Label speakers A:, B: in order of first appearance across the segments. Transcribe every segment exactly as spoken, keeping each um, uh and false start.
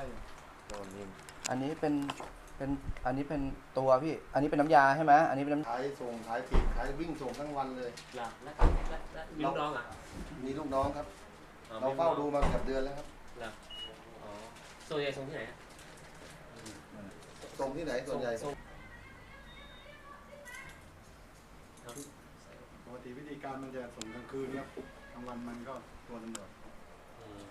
A: อันนี้เป็นเป็นอันนี้เป็นตัวพี่อันนี้เป็นน้ำยาใช่ไหมอันนี้เป็นน้ำ
B: ขายส่งขายถีบขายวิ่งส่งทั้งวันเลย
C: หลับแล้วแล้วแล้วมีลูกน้องอ่ะ
B: มีลูกน้องครับ
C: อ๋อ
B: เราเฝ้าดูมาเกือบเดือนแล้วครับ
C: หลับอ๋อส่วนใหญ่ส่งที่ไหนอะ
B: ส่งที่ไหนส่วนใหญ่
C: ส่ง
D: ปกติวิธีการมันจะส่งกลางคืนครับกลางวันมันก็ตัวตำรวจ
C: อืม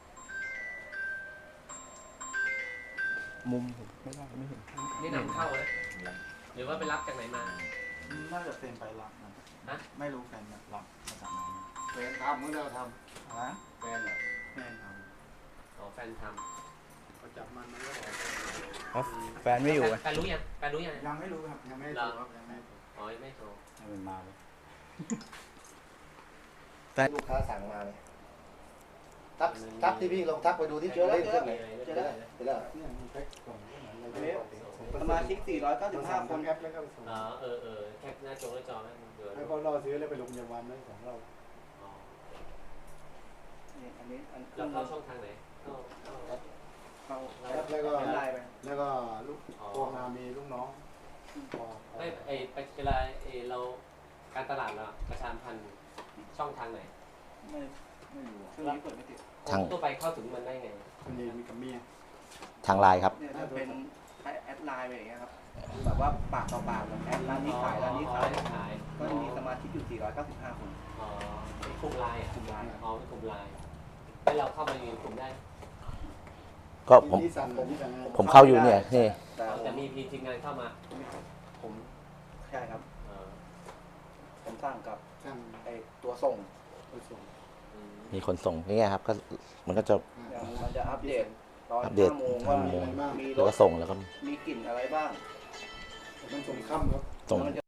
A: มุมผมไม่ได้ไม่เห็น
C: นี่นำเข้าเลยหรือว่าไปรับจากไหนมา
D: น่าจะเซ็นไปรับนะ
C: ฮะ
D: ไม่รู้แฟนรับมาจากไหน
B: แฟนทำเมื่อเราท
D: ฮะ
B: ำแฟนอ่ะ
D: แฟนท
C: อ๋อแฟนท
D: ำเขาจับมันมันก็บอก
A: เพราะ
C: ำ
A: แฟนไม่อยู่ไง
C: แฟนรู้ยังแฟนรู้ยัง
D: ยังไม่รู้ครับยังไม่รู้ครับยังไม่รู้
C: อ๋อยังไม่โทร
D: ให้มันมาเลย
B: ลูกค้าสั่งมาเลยทักทักที่พี่ลองทักไปดูที่เจอแล้วเจอแล้วเจอแล้วเจอแล้ว
D: เนี่ยมันแพ็คกล่องก็เหมือนอะไรปกติ
A: สมาชิกสี่ร้อยเก้าสิบห้าคน
D: แคปแล้วก็ส่ง
C: อ๋อเออเออแคปหน้าจอหน้าจอแล้วเดี๋ยว
D: ให้เขาล่อซื้อแล้วไปโรงพยาบาลได้ของเรา
C: อ๋อ
A: นี่อันนี้อัน
C: แล้วเข้าช่องทางไหนเข้าเข้า
A: เข้า
D: แคปแล้วก็
A: เป็นไลน์ไป
D: แล้วก็ลูกโทรมามีลูกน้องพอ
C: ไม่ไอไปเวลาไอเราการตลาดเราประชาสัมพันธ์ช่องทางไหน
A: ไม่ไม่รู้ช่วงนี้เปิดไม่ติด
E: ทาง
C: ตัวไปเข้าถึงมันได้ไง
D: คนนี้มีกับเมีย
E: ทางไลน์ครับ
A: เนี่ยถ้าเป็นใช้แอดไลน์ไปอย่างเงี้ยครับแบบว่าปากต่อปากแบบแอดร้านนี้ขายร้านนี้ขาย
C: ขาย
A: ก็จะมีสมาชิกอยู่สี่ร้อยเก้าสิบห้าคน
C: อ๋อเป็นกลุ่มไลน์อ่ะ
A: กลุ่มไลน์
C: อ๋อเป็นกลุ่มไลน์แล้วเราเข้ามาอยู่ในกลุ่มได้
E: ก็ผม
D: ที่สั่งที่สั่งงาน
E: ผมเข้าอยู่เนี่ยนี่
A: แต่
C: อ๋อ
A: ผ
C: แต่
A: ม
C: มีพีทีมงานเข้ามา
A: ผมใช่ครับ
C: เออ
A: ผมสั่งกับ
D: สั่ง
A: ไอตัวส่ง
D: ไปส่ง
C: อืม
E: มีคนส่งนี่ครับก็มันก็จะ
A: อย่างมันจะอัปเดตตอน
E: อัปเดต
A: ห้าโมงว่า
E: ห้าโมง
A: มีร
E: แล้วก็
A: ถ
E: ส่งแล้วก็
A: มีกลิ่นอะไรบ้าง
D: มันส่งค่ำครับ
E: ส่ง
A: แล้วมันจะ